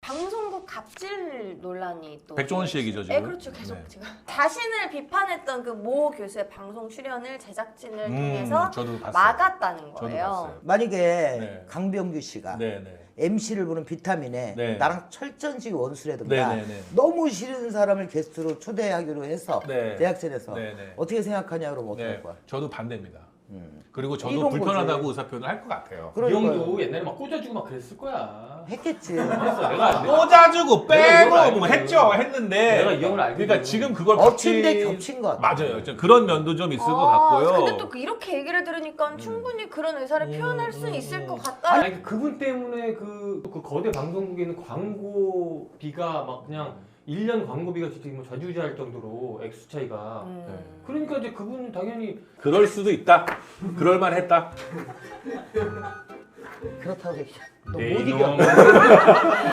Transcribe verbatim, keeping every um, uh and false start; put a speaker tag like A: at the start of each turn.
A: 방송국 갑질 논란이 또
B: 백종원 씨 얘기죠 지금.
A: 네, 그렇죠. 계속
B: 네.
A: 제가 자신을 비판했던 그 모 교수의 방송 출연을 제작진을
B: 음,
A: 통해서
B: 저도 봤어요.
A: 막았다는
B: 저도
A: 거예요.
B: 봤어요.
C: 만약에
B: 네.
C: 강병규 씨가
B: 네, 네.
C: 엠씨를 부른 비타민에
B: 네.
C: 나랑 철전지 원수라든가
B: 네, 네, 네.
C: 너무 싫은 사람을 게스트로 초대하기로 해서
B: 네.
C: 대학생에서
B: 네, 네.
C: 어떻게 생각하냐 그러면 어떡할
B: 네.
C: 거야?
B: 저도 반대입니다.
C: 음.
B: 그리고 저도
C: 이런
B: 불편하다고
C: 거지.
B: 의사표현을 할 것 같아요.
D: 이
C: 그러니까요.
D: 형도 옛날에 막 꽂아주고 막 그랬을 거야.
C: 했겠지.
D: 했어. 내가
B: 꽂아주고
D: 내가 이걸
B: 빼고 뭐
D: 알거든.
B: 했죠. 했는데
D: 내가 이 형을 알거든.
B: 그러니까 지금 그걸
C: 엎친 데
B: 같이-
C: 겹친 것 같아.
B: 맞아요. 좀 그런 면도 좀 있을 것
A: 아,
B: 같고요.
A: 근데 또 그 이렇게 얘기를 들으니까 충분히 그런 의사를
B: 음,
A: 표현할 수
B: 음,
A: 있을
B: 음.
A: 것 같다.
D: 아니 그 그분 때문에 그, 그 거대 방송국에 있는 광고비가 막 그냥 일 년 광고비가 진짜 뭐 좌지우지할 정도로 액수 차이가.
A: 음.
B: 네.
D: 그러니까 이제 그분은 당연히
B: 그럴 수도 있다. 그럴 만했다.
C: 그렇다고 얘기해.
D: 네,
C: 너못
D: 이놈.
C: 이겨.